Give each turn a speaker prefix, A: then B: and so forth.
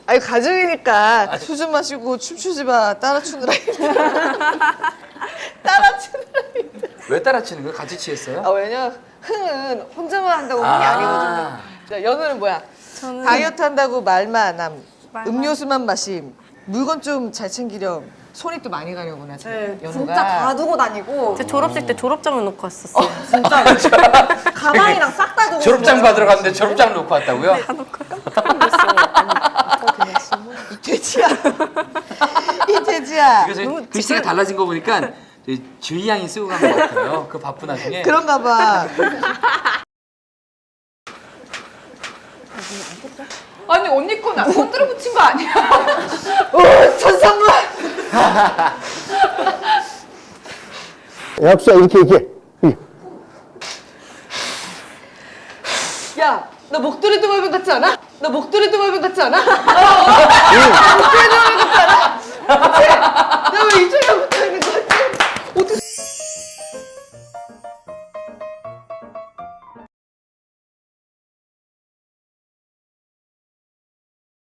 A: 아니 가족이니까 술 좀 마시고 춤추지 마. 따라 추느라 따라 추느라
B: 왜 따라치는 거예요? 같이 취했어요?
A: 아 왜냐 흥은 혼자만 한다고 흥이 아니거든요. 자, 연우는 뭐야?
C: 저는
A: 다이어트 한다고 말만 안 함.
C: 말만.
A: 음료수만 마심. 물건 좀 잘 챙기렴. 손이 또 많이 가려구나.
D: 네,
A: 연우가.
D: 진짜 다 두고 다니고.
C: 제 졸업식 때 졸업장을 놓고 왔었어요.
D: 진짜 가방이랑 싹 다 두고.
B: 졸업장 받으러 갔는데 졸업장 놓고 왔다고요?
A: 이 돼지야. 이 돼지야.
B: 그래서 글씨가 달라진 거 보니까 주희 양이 쓰고 간 것 같아요. 그 바쁜 와중에.
A: 그런가 봐.
D: 아니 언니 거나 손들어 붙인 거 아니야?
A: 오 천상문.
E: 약수야 이렇게.
A: 야, 너 목도리 도마뱀 같지 않아? 너 목도리 도마뱀 같지 않아? 목도리